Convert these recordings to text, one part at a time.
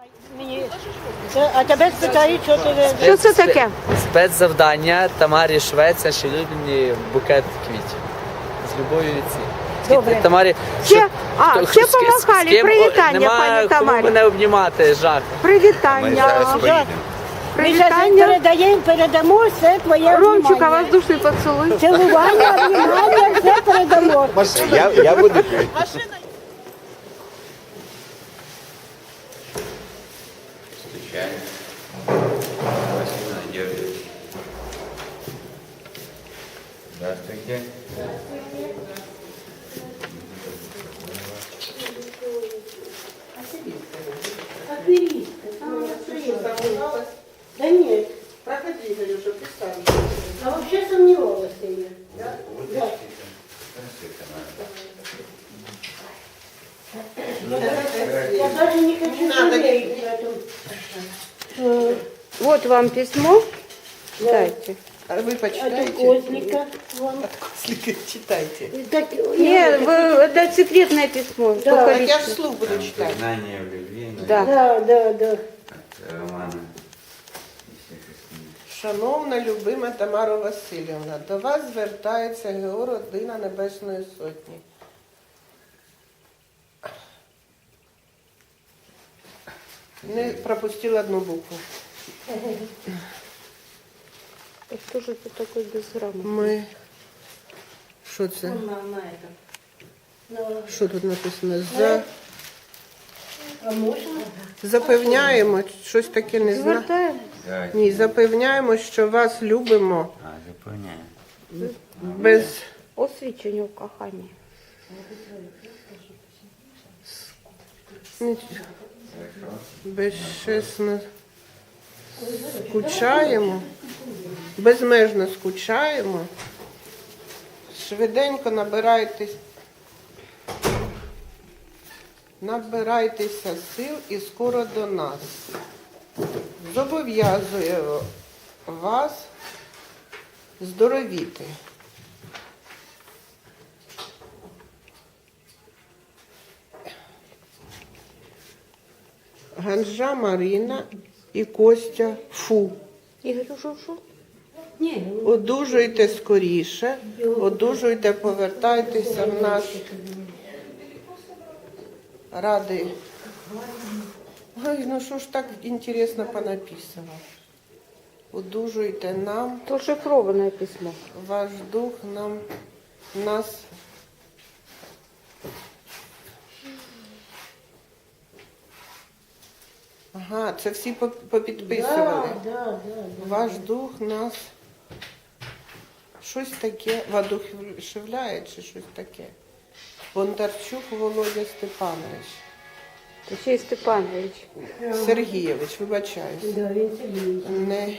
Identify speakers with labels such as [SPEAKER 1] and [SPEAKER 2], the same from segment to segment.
[SPEAKER 1] А тебе спитають, що ти...
[SPEAKER 2] Що це таке?
[SPEAKER 3] Спецзавдання Тамарі Швець, нашій улюблені букет квітів. З любов'ю від всіх.
[SPEAKER 1] Добре.
[SPEAKER 3] Тамарі,
[SPEAKER 2] Ще помахали. Привітання, пані Тамарі.
[SPEAKER 3] Кому мене обнімати, жах.
[SPEAKER 2] Привітання.
[SPEAKER 1] Ми зараз передамо все твоє
[SPEAKER 2] Ромчика,
[SPEAKER 1] внимання.
[SPEAKER 2] воздушний поцілуй.
[SPEAKER 1] Цілування, внимання, все передамо.
[SPEAKER 4] Я буду. Встречаем. Василий Надеждович. Здравствуйте.
[SPEAKER 1] Да нет.
[SPEAKER 5] Проходи, Галюша, представь.
[SPEAKER 1] А вообще сомневалась я.
[SPEAKER 5] Да?
[SPEAKER 1] Да. Я даже не хочу
[SPEAKER 5] Надо.
[SPEAKER 1] жалеть об этом.
[SPEAKER 2] Вот вам письмо. Читайте.
[SPEAKER 5] А вы
[SPEAKER 1] От
[SPEAKER 5] почитайте.
[SPEAKER 1] Козлика вам.
[SPEAKER 5] Читайте.
[SPEAKER 1] Так,
[SPEAKER 2] Нет, это секретное письмо.
[SPEAKER 1] Да.
[SPEAKER 2] Только
[SPEAKER 5] Так я
[SPEAKER 2] лично.
[SPEAKER 5] ж вслух буду читать.
[SPEAKER 4] Знание в любви.
[SPEAKER 2] Да.
[SPEAKER 1] Да.
[SPEAKER 4] От Романа. І всіх остальних.
[SPEAKER 5] Шановна, любима Тамара Васильівна, до вас звертається ГО «Родина Небесної Сотні». Не пропустила одну букву.
[SPEAKER 2] Что же это такое безграмотное?
[SPEAKER 5] Ми... Що це? Що тут написано?
[SPEAKER 1] А можна?
[SPEAKER 5] Запевняємо, щось таке не знаю.
[SPEAKER 2] Звертаємо.
[SPEAKER 4] Давайте.
[SPEAKER 5] Ні, запевняємо, що вас любимо
[SPEAKER 4] Заповняю.
[SPEAKER 5] без...
[SPEAKER 2] Освічення в коханні.
[SPEAKER 5] Безчесно скучаємо, безмежно скучаємо, швиденько набирайтеся сил і скоро до нас. Зобов'язую вас здоровіти. Ганжа Марина і Костя Фу.
[SPEAKER 2] Ігор, що?
[SPEAKER 5] Одужуйте скоріше, одужуйте, повертайтеся в наш радий. Ой, ну що ж так інтересно понаписано. Одужуйте нам,
[SPEAKER 2] То шифроване письмо.
[SPEAKER 5] ваш дух нас. Ага, це всі попідписували.
[SPEAKER 1] Да.
[SPEAKER 5] Ваш дух нас щось таке воодушевляє чи щось таке. Бондарчук Володя Степанович.
[SPEAKER 2] То ще й Степанович.
[SPEAKER 5] Сергійович, вибачаюсь.
[SPEAKER 1] Да, він Сергій.
[SPEAKER 5] Не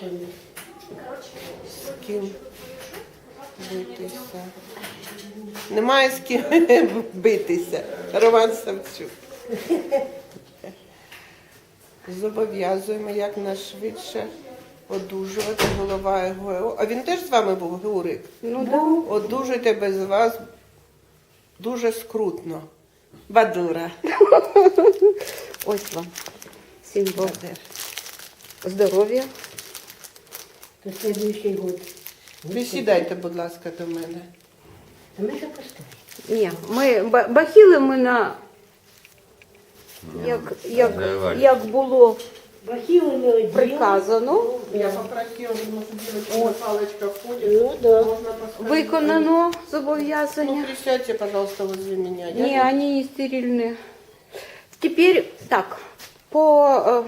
[SPEAKER 5] з ким битися. Немає з ким битися. Роман Савчук. Зобов'язуємо якнайшвидше одужувати, голова ГО. А він теж з вами був, Геурик?
[SPEAKER 2] Ну да.
[SPEAKER 5] Одужуйте без вас дуже скрутно. Бадура.
[SPEAKER 2] Ось вам. Символ. Здоров'я.
[SPEAKER 1] То следующий год.
[SPEAKER 5] Присідайте, будь ласка, до мене.
[SPEAKER 1] А ми ще поставимо.
[SPEAKER 2] Ні, ми бахіли ми на як було
[SPEAKER 1] Бахіли ми оділи.
[SPEAKER 2] приказано,
[SPEAKER 5] Я попросила, щоб паличка входить.
[SPEAKER 1] Ну, да.
[SPEAKER 5] Можна поставити.
[SPEAKER 2] виконано
[SPEAKER 5] Ну,
[SPEAKER 2] зобов'язання.
[SPEAKER 5] присядьте, пожалуйста, возле меня.
[SPEAKER 2] Не, они не стерильные. Теперь так, по...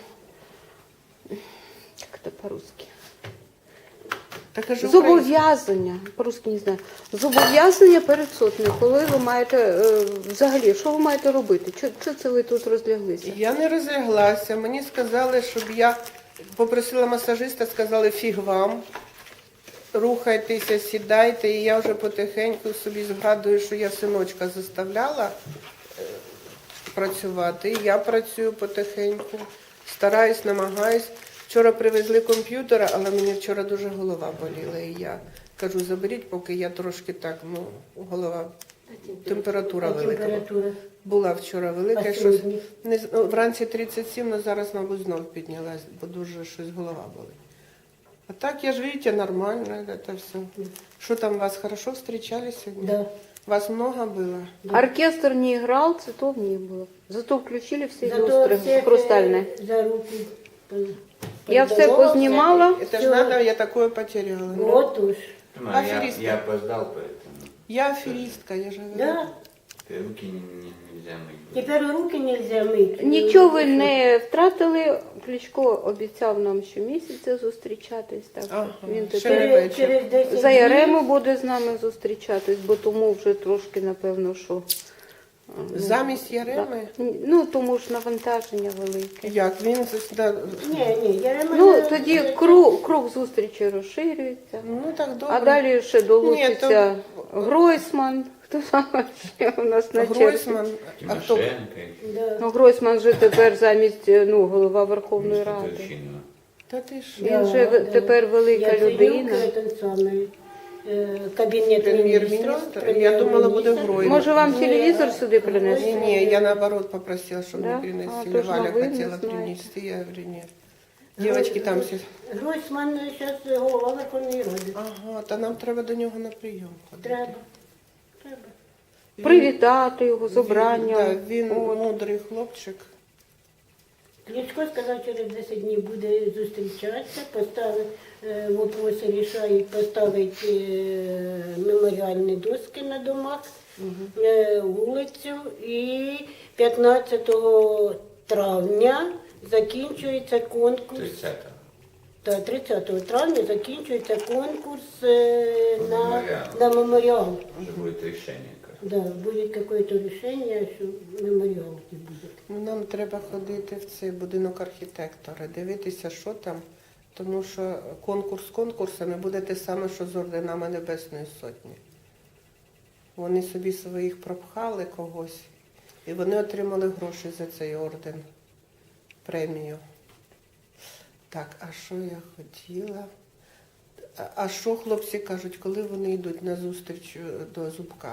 [SPEAKER 2] как это по-русски?
[SPEAKER 5] Так, кажу,
[SPEAKER 2] Зобов'язання, по-русски не знаю. Зобов'язання перед сотнею, коли ви маєте, взагалі, що ви маєте робити? Що це ви тут розляглися?
[SPEAKER 5] я не розляглася. Мені сказали, щоб я попросила масажиста, сказали, фіг вам. Рухайтеся, сідайте. І я вже потихеньку собі згадую, що я синочка заставляла працювати. І я працюю потихеньку. Стараюсь, намагаюсь. Вчора привезли комп'ютера, але мені вчора дуже голова боліла. І я кажу, заберіть, поки я трошки так, голова Температура
[SPEAKER 1] А
[SPEAKER 5] велика.
[SPEAKER 1] температура?
[SPEAKER 5] Була вчора велика,
[SPEAKER 1] А
[SPEAKER 5] щось
[SPEAKER 1] сьогодні?
[SPEAKER 5] вранці 37, але зараз, мабуть, знов піднялась, бо дуже щось голова болить. А так, я ж, видите, нормально, это все. Что там, вас хорошо встречали сегодня?
[SPEAKER 1] Да.
[SPEAKER 5] Вас много было?
[SPEAKER 2] Оркестр не играл, цветов не было. Зато включили все
[SPEAKER 1] Зато
[SPEAKER 2] люстры
[SPEAKER 1] всех,
[SPEAKER 2] хрустальные.
[SPEAKER 1] за руку
[SPEAKER 2] Я все
[SPEAKER 1] поздоровался.
[SPEAKER 2] познімала.
[SPEAKER 5] Это ж надо, я такое потеряла. да?
[SPEAKER 1] Вот уж.
[SPEAKER 4] Ну,
[SPEAKER 5] Аферистка.
[SPEAKER 4] я опоздал, поэтому
[SPEAKER 5] Я аферистка, я же говорю.
[SPEAKER 1] Да.
[SPEAKER 4] руки нельзя мыть.
[SPEAKER 1] Тепер руки нельзя мити.
[SPEAKER 2] Нічого ви не втратили. Кличко обіцяв нам щомісяця зустрічатись. Так що
[SPEAKER 5] Ага,
[SPEAKER 2] він
[SPEAKER 5] ще
[SPEAKER 2] тепер
[SPEAKER 5] не вечір.
[SPEAKER 1] Через 10
[SPEAKER 2] за
[SPEAKER 1] днів.
[SPEAKER 2] Ярему буде з нами зустрічатись, бо тому вже трошки, напевно, що...
[SPEAKER 5] Замість Яреми?
[SPEAKER 2] Ну, тому ж навантаження велике.
[SPEAKER 5] Як? Він
[SPEAKER 1] Ні, Ярема...
[SPEAKER 2] Ну, тоді круг зустрічі розширюється.
[SPEAKER 5] Ну так добре.
[SPEAKER 2] А далі ще долучиться
[SPEAKER 5] Ні,
[SPEAKER 2] Гройсман. Хто там ще у нас на черзі?
[SPEAKER 5] Гройсман. А хто?
[SPEAKER 4] Тимошенко.
[SPEAKER 1] Да.
[SPEAKER 2] Ну, Гройсман же тепер замість голова Верховної Ради.
[SPEAKER 4] Турчинова.
[SPEAKER 5] Та ти ж.
[SPEAKER 2] Він же тепер велика людина.
[SPEAKER 1] Яценюк, самий, кабінет
[SPEAKER 5] Прем'єр-міністр. Я думала, буде Гройсман.
[SPEAKER 2] Може, вам телевізор сюди
[SPEAKER 5] Не,
[SPEAKER 2] принести?
[SPEAKER 5] не, я наоборот попросила, чтобы
[SPEAKER 2] Да?
[SPEAKER 5] мне принесли.
[SPEAKER 2] А, то ж
[SPEAKER 5] Валя
[SPEAKER 2] вы не
[SPEAKER 5] хотела
[SPEAKER 2] знаете.
[SPEAKER 5] принести, я говорю, нет. Девочки там все.
[SPEAKER 1] Гройсман зараз голова Верховної Ради.
[SPEAKER 5] Ага, та нам треба до нього на прийом ходити.
[SPEAKER 1] Треба.
[SPEAKER 2] Привітати його з обранням.
[SPEAKER 5] Да, він
[SPEAKER 2] От.
[SPEAKER 5] мудрий хлопчик.
[SPEAKER 1] Кличко сказав, через 10 днів буде зустрічатися, вопроси рішають поставити меморіальні доски на домах, вулицю, і 15 травня закінчується конкурс.
[SPEAKER 4] 30-го.
[SPEAKER 1] Та 30 травня закінчується конкурс
[SPEAKER 4] Меморіал.
[SPEAKER 1] на меморіал.
[SPEAKER 4] Уже будет решение.
[SPEAKER 1] Да, буде якесь рішення, що меморіал буде.
[SPEAKER 5] Ну, нам треба ходити в цей будинок архітектора, дивитися, що там, тому що конкурс конкурсами буде те саме, що з орденами Небесної Сотні. Вони собі своїх пропхали когось, і вони отримали гроші за цей орден, премію. Так, а що я хотіла? А що хлопці кажуть, коли вони йдуть на зустріч до Зубка?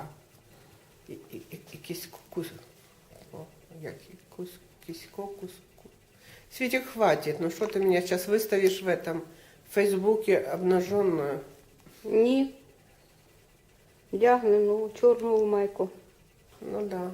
[SPEAKER 5] Якийсь кус. О, як кісько. Светик, хватит. Ну что ты меня сейчас выставишь в этом Фейсбуке обнаженную?
[SPEAKER 2] Ні. Вдягнену чорну майку.
[SPEAKER 5] Ну да.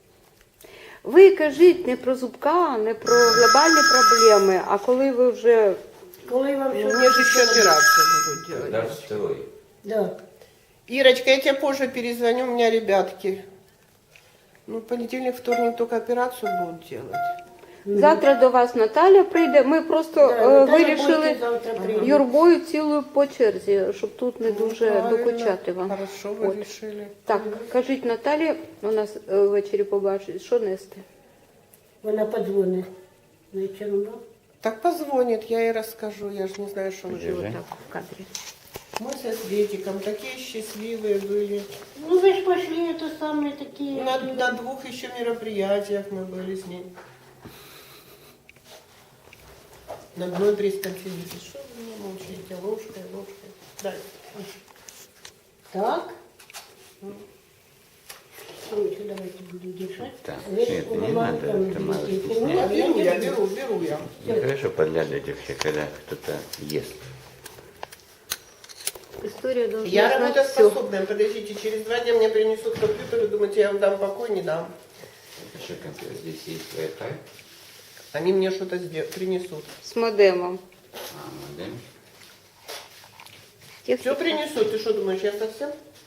[SPEAKER 2] Ви кажіть не про Зубка, не про глобальні проблеми, а коли ви вже...
[SPEAKER 1] Коли вам
[SPEAKER 5] Ну, мне же еще операцию будут делать.
[SPEAKER 4] Когда второй?
[SPEAKER 1] Да.
[SPEAKER 5] Ирочка, я тебе позже перезвоню, у меня ребятки. Ну, понедельник, вторник только операцию будут делать.
[SPEAKER 2] Завтра до вас Наталя прийде. Ми просто
[SPEAKER 1] Наталя
[SPEAKER 2] вирішили
[SPEAKER 1] Бойко завтра прийде.
[SPEAKER 2] юрбою цілою по черзі, щоб тут не дуже
[SPEAKER 5] Правильно.
[SPEAKER 2] докучати вам.
[SPEAKER 5] Хорошо, вы
[SPEAKER 2] От.
[SPEAKER 5] решили.
[SPEAKER 2] Так, кажіть Наталі, у нас ввечері побачить, що нести.
[SPEAKER 1] Вона подзвонить вечором. да?
[SPEAKER 5] Так позвонит, я ей расскажу, я же не знаю, что вы
[SPEAKER 4] Держи.
[SPEAKER 5] делаете.
[SPEAKER 2] Так, в кадрі.
[SPEAKER 5] Мы со Светиком такие счастливые были.
[SPEAKER 1] Ну ви ж пошли, то саме такі.
[SPEAKER 5] На двух еще мероприятиях мы были с ней. На одной пресс-конференции. Что вы меня молчите? Ложкой. Дай.
[SPEAKER 1] Так. Сонечка, давайте буду держать.
[SPEAKER 4] Так,
[SPEAKER 1] Ви ж
[SPEAKER 4] нет,
[SPEAKER 1] у
[SPEAKER 4] не
[SPEAKER 1] мамы
[SPEAKER 4] надо,
[SPEAKER 1] там
[SPEAKER 4] это мало
[SPEAKER 1] будете.
[SPEAKER 4] стесняться.
[SPEAKER 1] Ну, я не буду.
[SPEAKER 5] беру я.
[SPEAKER 4] Нехорошо подглядывать вообще, когда кто-то ест.
[SPEAKER 2] Історія должна
[SPEAKER 5] Я
[SPEAKER 2] знати все.
[SPEAKER 5] работоспособная. Подождите, через 2 дня мне принесут компьютер, и думаете, я вам дам покой, не дам.
[SPEAKER 4] Это что, компьютер? Здесь есть Wi-Fi?
[SPEAKER 5] Они мне что-то принесут.
[SPEAKER 2] З модемом.
[SPEAKER 4] Модем.
[SPEAKER 5] Все принесут. Ты что думаешь, я совсем?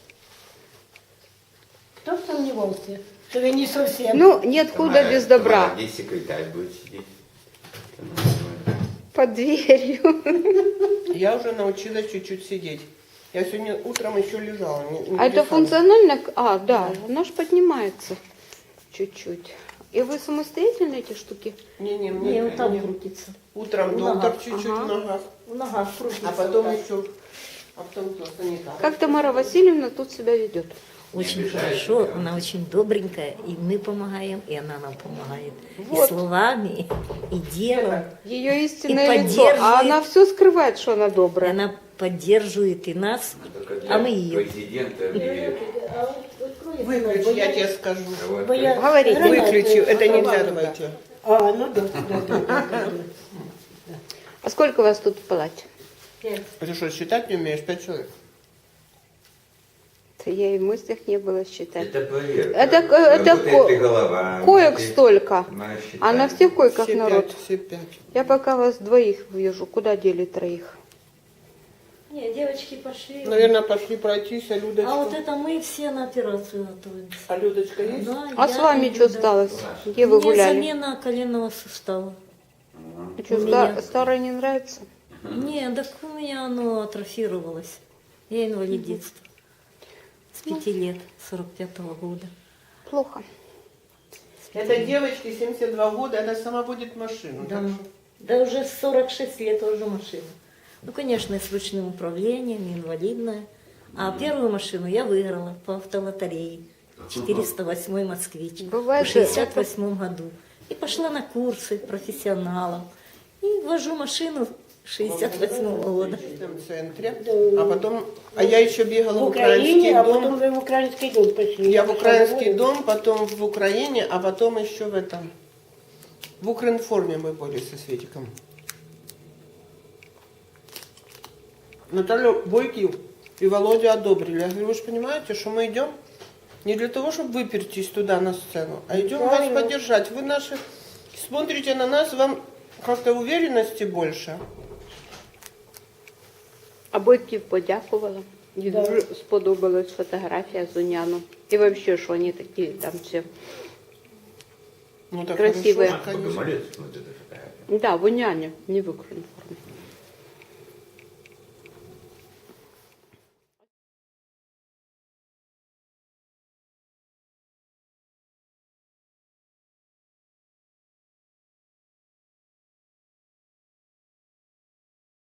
[SPEAKER 1] Хто б сумнівався, що ви не зовсім.
[SPEAKER 2] Ну, ниоткуда без добра.
[SPEAKER 4] Тамара, здесь секретарь будет сидеть.
[SPEAKER 2] Под дверью.
[SPEAKER 5] Я уже научилась чуть-чуть сидеть. Я сегодня утром еще лежала. не
[SPEAKER 2] А это
[SPEAKER 5] лежала.
[SPEAKER 2] функционально? А, да, она же поднимается чуть-чуть. И вы самостоятельно эти штуки?
[SPEAKER 5] Не,
[SPEAKER 1] Ні,
[SPEAKER 5] мне
[SPEAKER 1] отам крутиться.
[SPEAKER 5] утром
[SPEAKER 1] В
[SPEAKER 5] доктор
[SPEAKER 1] ногах.
[SPEAKER 5] чуть-чуть
[SPEAKER 2] Ага.
[SPEAKER 5] в ногах,
[SPEAKER 1] В ногах крутиться.
[SPEAKER 5] а потом
[SPEAKER 1] отак.
[SPEAKER 5] еще, а потом кто санитар.
[SPEAKER 2] Как Тамара Васильевна тут себя ведет?
[SPEAKER 6] очень
[SPEAKER 4] обижает
[SPEAKER 6] хорошо,
[SPEAKER 4] тебя.
[SPEAKER 6] она очень добренькая, и мы помогаем, и она нам помогает.
[SPEAKER 2] Вот.
[SPEAKER 6] И словами, и делом.
[SPEAKER 2] Ее истинное
[SPEAKER 6] И
[SPEAKER 2] лицо. А
[SPEAKER 6] поддерживает.
[SPEAKER 2] она все скрывает, что она
[SPEAKER 6] И
[SPEAKER 2] добрая.
[SPEAKER 6] она поддерживает и нас,
[SPEAKER 4] Только для
[SPEAKER 6] а мы ее.
[SPEAKER 4] президента или
[SPEAKER 1] А от открой
[SPEAKER 5] Выключи,
[SPEAKER 1] окно,
[SPEAKER 5] я тебе скажу.
[SPEAKER 4] кого
[SPEAKER 1] бо я
[SPEAKER 2] Говорите.
[SPEAKER 1] гранату
[SPEAKER 5] Выключи, это нельзя,
[SPEAKER 1] оторвала.
[SPEAKER 5] давайте.
[SPEAKER 1] А, ну да.
[SPEAKER 2] А сколько вас тут в палате?
[SPEAKER 5] Ты что, считать не умеешь? 5 человек.
[SPEAKER 2] Это я и в мыслях не было считать.
[SPEAKER 4] Это проверка.
[SPEAKER 2] Это
[SPEAKER 4] Работает ли голова,
[SPEAKER 2] коек
[SPEAKER 4] ты
[SPEAKER 2] столько.
[SPEAKER 4] знаешь,
[SPEAKER 2] А на
[SPEAKER 4] считать.
[SPEAKER 2] всех койках
[SPEAKER 5] Все
[SPEAKER 2] народ.
[SPEAKER 5] 5, все 5.
[SPEAKER 2] Я пока вас двоих вижу. Куда дели троих?
[SPEAKER 6] Нет, девочки пошли.
[SPEAKER 5] Наверное, пошли пройтись, а Людочка...
[SPEAKER 6] А вот это мы все на операцию готовимся.
[SPEAKER 5] А Людочка есть?
[SPEAKER 6] Да,
[SPEAKER 2] А
[SPEAKER 6] я
[SPEAKER 2] с вами
[SPEAKER 6] и
[SPEAKER 2] что
[SPEAKER 6] Люда.
[SPEAKER 2] сталось? Где вы
[SPEAKER 6] Мне
[SPEAKER 2] гуляли?
[SPEAKER 6] замена коленного сустава.
[SPEAKER 2] А что,
[SPEAKER 6] у меня.
[SPEAKER 2] старое не нравится?
[SPEAKER 6] Нет, так у меня оно атрофировалось. Я инвалид детства. С 5 лет, 45-го года.
[SPEAKER 2] Плохо.
[SPEAKER 5] Это девочке 72 года, она сама водит машину.
[SPEAKER 6] Да.
[SPEAKER 5] так что-
[SPEAKER 6] Да уже 46 лет уже машина. Ну, конечно, с ручным управлением, инвалидная. А первую машину я выиграла по автолотерее. 408 «Москвич»
[SPEAKER 2] Бывает,
[SPEAKER 6] в 68 году. И пошла на курсы профессионалов. И вожу машину 68 года.
[SPEAKER 5] В этом центре. А потом... А я еще бегала
[SPEAKER 1] В
[SPEAKER 5] в украинский
[SPEAKER 1] Украине, а
[SPEAKER 5] дом.
[SPEAKER 1] потом вы в украинский дом пошли.
[SPEAKER 5] Я в украинский
[SPEAKER 1] пошла
[SPEAKER 5] дом, потом в Украине, а потом еще в этом. В Укринформе мы были со Светиком. Наталью Бойкив и Володю одобрили. Я говорю, вы же понимаете, что мы идем не для того, чтобы выпертись туда на сцену, а идем вас
[SPEAKER 1] Правильно.
[SPEAKER 5] поддержать. Вы наши смотрите на нас, вам как-то уверенности больше.
[SPEAKER 2] А Бойків подякувала. Їй дуже сподобалась фотографія з Уняном. І взагалі, що вони такі там всі.
[SPEAKER 5] Ну так
[SPEAKER 2] Красивые.
[SPEAKER 5] хорошо,
[SPEAKER 4] А,
[SPEAKER 5] конечно.
[SPEAKER 4] Богомолец, вот эта фотография.
[SPEAKER 2] Да, в Уняні, не в Укрінформі.